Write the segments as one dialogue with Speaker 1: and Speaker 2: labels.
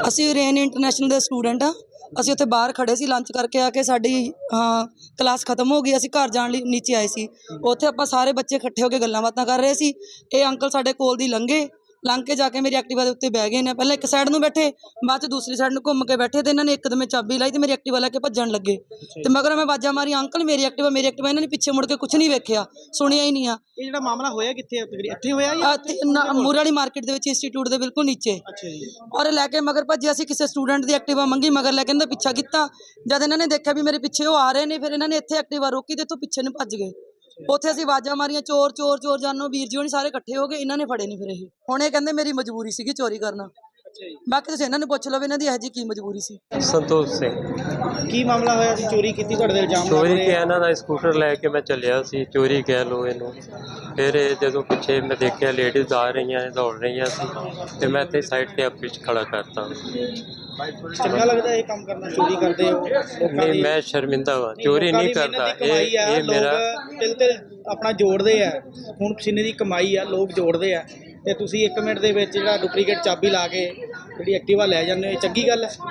Speaker 1: ਅਸੀਂ rain international ਦੇ student ਆ। ਅਸੀਂ ਉੱਥੇ ਬਾਹਰ ਖੜੇ ਸੀ, ਲੰਚ ਕਰਕੇ ਆ ਕੇ ਸਾਡੀ ਕਲਾਸ ਖਤਮ ਹੋ ਗਈ। ਅਸੀਂ ਘਰ ਜਾਣ ਲਈ ਨੀਚੇ ਆਏ ਸੀ। ਉੱਥੇ ਆਪਾਂ ਸਾਰੇ ਬੱਚੇ ਇਕੱਠੇ ਹੋ ਕੇ ਗੱਲਾਂ ਬਾਤਾਂ ਕਰ ਰਹੇ ਸੀ। ਇਹ ਅੰਕਲ ਸਾਡੇ ਕੋਲ ਦੀ ਲੰਘ ਕੇ ਜਾ ਕੇ ਮੇਰੀ ਐਕਟਿਵਾ ਦੇ ਉੱਤੇ ਬਹਿ ਗਏ ਨੇ। ਪਹਿਲਾਂ ਇੱਕ ਸਾਈਡ ਨੂੰ ਬੈਠੇ, ਬਾਅਦ 'ਚ ਦੂਸਰੀ ਸਾਈਡ ਨੂੰ ਘੁੰਮ ਕੇ ਬੈਠੇ ਤੇ ਇਹਨਾਂ ਨੇ ਇੱਕਦਮ ਚਾਬੀ ਲਾਈ ਤੇ ਮੇਰੀ ਐਕਟਿਵਾ ਲੈ ਕੇ ਭੱਜਣ ਲੱਗੇ ਤੇ ਮਗਰ ਮੈਂ ਆਵਾਜ਼ਾਂ ਮਾਰੀ, ਅੰਕਲ ਮੇਰੀ ਐਕਟਿਵਾ। ਇਹਨਾਂ ਨੇ ਪਿੱਛੇ ਮੁੜ ਕੇ ਕੁਛ ਨਹੀਂ ਵੇਖਿਆ, ਸੁਣਿਆ ਹੀ ਨਹੀਂ ਆ।
Speaker 2: ਇਹ ਜਿਹੜਾ ਮਾਮਲਾ ਹੋਇਆ ਕਿੱਥੇ ਇੱਥੇ ਹੋਇਆ ਜਾਂ
Speaker 1: ਮੂਰੇ ਵਾਲੀ ਮਾਰਕੀਟ ਦੇ ਵਿੱਚ ਇੰਸਟੀਚਿਊਟ ਦੇ ਬਿਲਕੁਲ ਨੀਚੇ।
Speaker 2: ਅੱਛਾ ਜੀ।
Speaker 1: ਔਰ ਲੈ ਕੇ ਮਗਰ ਭੱਜੇ। ਅਸੀਂ ਕਿਸੇ ਸਟੂਡੈਂਟ ਦੀ ਐਕਟਿਵਾ ਮੰਗੀ, ਮਗਰ ਲੈ ਕੇ ਇਹਨਾਂ ਦਾ ਪਿੱਛਾ ਕੀਤਾ। ਜਦ ਇਹਨਾਂ ਨੇ ਦੇਖਿਆ ਵੀ ਮੇਰੇ ਪਿੱਛੇ ਉਹ ਆ ਰਹੇ ਨੇ, ਫਿਰ ਇਹਨਾਂ ਨੇ ਇੱਥੇ ਐਕਟਿਵਾ ਰੋਕੀ ਤੇ ਇੱਥੋਂ ਪਿੱਛੇ ਨੂੰ ਭੱਜ ਗਏ। ਉੱਥੇ ਅਸੀਂ ਆਵਾਜ਼ਾਂ ਮਾਰੀਆਂ, ਚੋਰ ਚੋਰ ਚੋਰ ਜਾਨੋ। ਵੀਰ ਜੀ ਹੋਣੀ ਸਾਰੇ ਇਕੱਠੇ ਹੋ ਗਏ, ਇਹਨਾਂ ਨੇ ਫੜੇ ਨਹੀਂ। ਫਿਰ ਇਹ ਹੁਣ ਇਹ ਕਹਿੰਦੇ ਮੇਰੀ ਮਜਬੂਰੀ ਸੀਗੀ ਚੋਰੀ ਕਰਨਾ। ਬਾਕੀ ਤੁਸੀਂ ਇਹਨਾਂ ਨੂੰ ਪੁੱਛ ਲਓ ਵੀ ਇਹਨਾਂ ਦੀ ਇਹੋ ਜਿਹੀ ਕੀ ਮਜਬੂਰੀ ਸੀ।
Speaker 3: ਸੰਤੋਖ ਸਿੰਘ।
Speaker 2: ਕੀ ਮਾਮਲਾ ਹੋਇਆ ਸੀ? ਚੋਰੀ ਕੀਤੀ ਤੁਹਾਡੇ ਤੇ ਇਲਜ਼ਾਮ
Speaker 3: ਚੋਰੀ ਕਿ ਇਹਨਾਂ ਦਾ ਸਕੂਟਰ ਲੈ ਕੇ ਮੈਂ ਚੱਲਿਆ ਸੀ, ਚੋਰੀ ਕਹਿ ਲਓ ਇਹਨੂੰ। ਫਿਰ ਜਦੋਂ ਪਿੱਛੇ ਮੈਂ ਦੇਖਿਆ ਲੇਡੀਜ਼ ਆ ਰਹੀਆਂ ਨੇ, ਦੌੜ ਰਹੀਆਂ ਸੀ ਤੇ ਮੈਂ ਇੱਥੇ ਸਾਈਡ ਤੇ ਆਪੇ ਖੜਾ ਕਰਤਾ।
Speaker 2: ਚੰਗਾ ਲੱਗਦਾ ਇਹ ਕੰਮ ਕਰਨਾ? ਚੋਰੀ ਕਰਦੇ ਹੋ?
Speaker 3: ਨਹੀਂ, ਮੈਂ ਸ਼ਰਮਿੰਦਾ ਵਾ, ਚੋਰੀ ਨਹੀਂ ਕਰਦਾ। ਇਹ ਮੇਰਾ
Speaker 2: ਤਿਲ ਆਪਣਾ ਜੋੜਦੇ ਆ, ਹੁਣ ਪਸੀਨੇ ਦੀ ਕਮਾਈ ਆ, ਲੋਕ ਜੋੜਦੇ ਆ ਤੇ ਤੁਸੀਂ 1 ਮਿੰਟ ਦੇ ਵਿੱਚ ਜਿਹੜਾ ਡੁਪਲੀਕੇਟ ਚਾਬੀ ਲਾ ਕੇ ਜਿਹੜੀ ਐਕਟਿਵਾ ਲੈ ਜਾਂਦੇ ਹੋ, ਇਹ ਚੰਗੀ ਗੱਲ ਹੈ?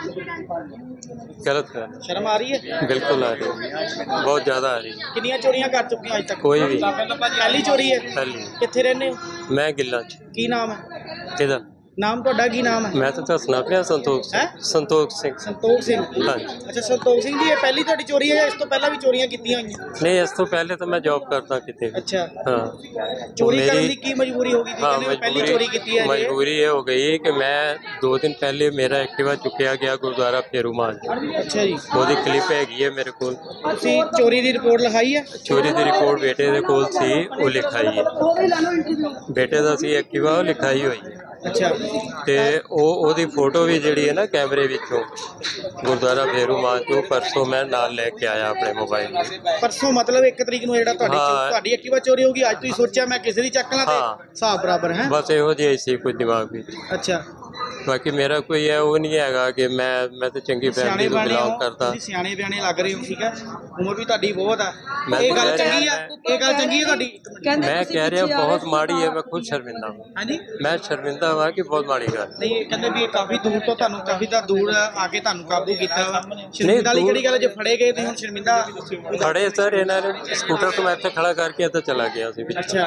Speaker 3: ਗਲਤ ਹੈ।
Speaker 2: ਸ਼ਰਮ ਆ ਰਹੀ ਹੈ?
Speaker 3: ਬਿਲਕੁਲ ਆ ਰਹੀ ਹੈ, ਬਹੁਤ ਜ਼ਿਆਦਾ ਆ ਰਹੀ ਹੈ।
Speaker 2: ਕਿੰਨੀਆਂ ਚੋਰੀਆਂ ਕਰ ਚੁੱਕੇ ਹੋ ਅੱਜ ਤੱਕ?
Speaker 3: ਕੋਈ ਵੀ
Speaker 2: ਪਹਿਲੀ ਚੋਰੀ ਹੈ?
Speaker 3: ਪਹਿਲੀ।
Speaker 2: ਕਿੱਥੇ ਰਹਿੰਦੇ ਹੋ?
Speaker 3: ਮੈਂ ਗਿੱਲਾਂ 'ਚ।
Speaker 2: ਕੀ ਨਾਮ ਹੈ?
Speaker 3: ਕਿਹਦਾ
Speaker 2: ਨਾਮ ਤੁਹਾਡਾ? ਕੀ ਨਾਮ ਹੈ?
Speaker 3: ਮੈਂ ਤਾਂ ਦੱਸਣਾ ਪਿਆ, ਸੰਤੋਖ ਸਿੰਘ। ਸੰਤੋਖ ਸਿੰਘ।
Speaker 2: ਸੰਤੋਖ ਸਿੰਘ।
Speaker 3: ਹਾਂਜੀ।
Speaker 2: ਅੱਛਾ ਸੰਤੋਖ ਸਿੰਘ ਜੀ, ਇਹ ਪਹਿਲੀ ਤੁਹਾਡੀ ਚੋਰੀ ਹੈ ਜਾਂ ਇਸ ਤੋਂ ਪਹਿਲਾਂ ਵੀ ਚੋਰੀਆਂ ਕੀਤੀਆਂ ਹੋਈਆਂ?
Speaker 3: ਨਹੀਂ, ਇਸ ਤੋਂ ਪਹਿਲੇ ਤਾਂ ਮੈਂ ਜੌਬ ਕਰਦਾ ਕਿਤੇ।
Speaker 2: ਅੱਛਾ।
Speaker 3: ਹਾਂ।
Speaker 2: ਚੋਰੀ ਕਰਨ ਦੀ ਕੀ ਮਜਬੂਰੀ ਹੋ ਗਈ ਸੀ?
Speaker 3: हाँ,
Speaker 2: ਕਹਿੰਦੇ ਪਹਿਲੀ ਚੋਰੀ ਕੀਤੀ ਹੈ ਜੀ।
Speaker 3: मजबूरी ये हो गई कि मैं 2 दिन पहले मेरा एक्टिवा चुकिया गया गुरुद्वारा फेरूमाल।
Speaker 2: ਅੱਛਾ ਜੀ।
Speaker 3: ਉਹਦੀ ਕਲਿੱਪ ਹੈਗੀ ਹੈ ਮੇਰੇ ਕੋਲ।
Speaker 2: ਤੁਸੀਂ ਚੋਰੀ ਦੀ ਰਿਪੋਰਟ ਲਿਖਾਈ ਹੈ?
Speaker 3: ਚੋਰੀ ਦੀ ਰਿਪੋਰਟ ਬੇਟੇ ਦੇ ਕੋਲ ਸੀ, ਉਹ ਲਿਖਾਈ ਹੈ। ਬੇਟੇ ਦਾ ਸੀ ਐਕਟਿਵਾ, ਉਹ ਲਿਖਾਈ ਹੋਈ ਹੈ।
Speaker 2: ਅੱਛਾ।
Speaker 3: ਤੇ ਉਹਦੀ ਫੋਟੋ ਵੀ ਜਿਹੜੀ ਹੈ ਨਾ ਕੈਮਰੇ ਵਿੱਚੋਂ ਗੁਰਦੁਆਰਾ ਫੇਰੂਮਾਲ ਤੋਂ ਪਰਸੋਂ ਮੈਂ ਨਾਲ ਲੈ ਕੇ ਆਇਆ ਆਪਣੇ ਮੋਬਾਈਲ।
Speaker 2: ਪਰਸੋਂ ਮਤਲਬ 1 ਤਰੀਕ ਨੂੰ ਜਿਹੜਾ ਤੁਹਾਡੀ ਐਕਟਿਵਾ ਚੋਰੀ ਹੋ ਗਈ, ਅੱਜ ਤੁਸੀਂ ਸੋਚਿਆ ਮੈਂ ਕਿਸੇ ਦੀ ਚੱਕ ਲਾਂ ਤੇ ਹਿਸਾਬ ਬਰਾਬਰ ਹੈ?
Speaker 3: ਬਸ ਇਹੋ ਜਿਹੀ ਸੀ ਕੁਝ ਦਿਮਾਗ ਵਿੱਚ।
Speaker 2: ਅੱਛਾ।
Speaker 3: ਬਾਕੀ ਮੇਰਾ ਕੋਈ ਹੈ ਉਹ ਨਹੀਂ ਹੈਗਾ ਕਿ ਮੈਂ ਤਾਂ ਚੰਗੀ ਫੈਮਿਲੀ ਤੋਂ ਬਿਲੋਂਗ ਕਰਦਾ।
Speaker 2: ਤੁਸੀਂ ਸਿਆਣੇ ਬਿਆਣੇ ਲੱਗ ਰਹੇ ਹੋ, ਠੀਕ ਹੈ, ਉਮਰ ਵੀ ਤੁਹਾਡੀ ਬਹੁਤ ਆ। ਇਹ ਗੱਲ ਚੰਗੀ ਆ? ਇਹ ਗੱਲ ਚੰਗੀ ਹੈ ਤੁਹਾਡੀ?
Speaker 3: ਮੈਂ ਕਹਿ ਰਿਹਾ ਬਹੁਤ ਮਾੜੀ ਹੈ, ਮੈਂ ਖੁਦ ਸ਼ਰਮਿੰਦਾ ਹਾਂ।
Speaker 2: ਹਾਂਜੀ।
Speaker 3: ਮੈਂ ਸ਼ਰਮਿੰਦਾ ਹਾਂ ਕਿ ਬਹੁਤ ਮਾੜੀ ਗੱਲ।
Speaker 2: ਨਹੀਂ, ਇਹ ਕਹਿੰਦੇ ਵੀ ਕਾਫੀ ਦੂਰ ਤੋਂ ਤੁਹਾਨੂੰ ਦੂਰ ਆ ਕੇ ਤੁਹਾਨੂੰ ਕਾਬੂ ਕੀਤਾ ਵਾ। ਸ਼ਰਮਿੰਦਾ ਵਾਲੀ ਕਿਹੜੀ ਗੱਲ? ਜੇ ਫੜੇ ਗਏ ਤੁਸੀਂ ਹੁਣ ਸ਼ਰਮਿੰਦਾ?
Speaker 3: ਖੜੇ ਸਰ, ਇਹਨਾਂ ਨੇ ਸਕੂਟਰ ਤੋਂ ਮੈਂ ਇੱਥੇ ਖੜਾ ਕਰਕੇ ਇੱਥੇ ਚਲਾ ਗਿਆ ਸੀ।
Speaker 2: ਅੱਛਾ।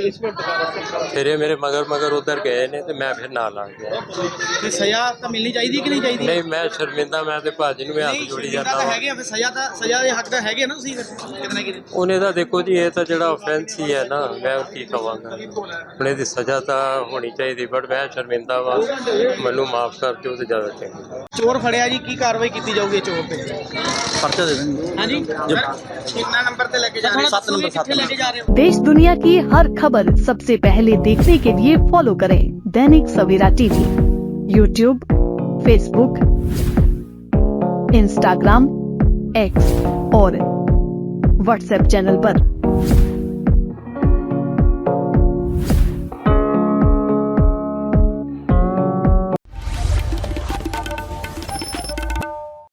Speaker 3: ਫਿਰ ਇਹ ਮੇਰੇ ਮਗਰ ਉਧਰ ਗਏ ਨੇ ਤੇ ਮੈਂ ਫਿਰ ਨਾਲ ਆ ਗਿਆ।
Speaker 2: ਤੇ ਸਜ਼ਾ ਤਾਂ ਮਿਲਣੀ ਚਾਹੀਦੀ ਕਿ ਨਹੀਂ ਚਾਹੀਦੀ?
Speaker 3: ਨਹੀਂ, ਮੈਂ ਸ਼ਰਮਿੰਦਾ, ਮੈਂ ਤੇ ਭਾਜੀ ਨੂੰ ਹੱਥ ਜੋੜੀ ਜਾਂਦਾ।
Speaker 2: ਤਾਂ ਹੈਗੇ ਆ, ਫਿਰ ਸਜ਼ਾ ਦੇ ਹੱਕ ਦਾ ਹੈਗੇ ਨਾ ਤੁਸੀਂ ਕਿਤਨਾ ਕਿਤੇ।
Speaker 3: ਉਹਨੇ ਤਾਂ ਦੇਖੋ ਜੀ, ਇਹ ਤਾਂ ਜਿਹੜਾ ਆਫੈਂਸ ਹੀ ਹੈ ਨਾ, ਮੈਂ ਕੀ ਕਹਾਂਗਾ। ਹੁਣ ਇਹਦੀ ਸਜ਼ਾ ਤਾਂ ਹੋਣੀ ਚਾਹੀਦੀ, ਬਟ ਮੈਂ ਸ਼ਰਮਿੰਦਾ ਵਾ, ਮੈਨੂੰ ਮਾਫ ਕਰ ਦਿਓ ਤੇ ਜ਼ਿਆਦਾ ਚੰਗਾ।
Speaker 2: ਚੋਰ ਫੜਿਆ ਜੀ, ਕੀ ਕਾਰਵਾਈ ਕੀਤੀ ਜਾਊਗੀ ਚੋਰ ਤੇ?
Speaker 4: पर्चा दे देंगे।
Speaker 2: हाँ जी। कितना नंबर पे लेके जा रहे हो?
Speaker 4: 7 नंबर।
Speaker 2: कितने लेके जा रहे हो?
Speaker 5: देश दुनिया की हर खबर सबसे पहले देखने के लिए फॉलो करें Dainik Savera TV, YouTube, Facebook, Instagram, X और व्हाट्सएप चैनल पर।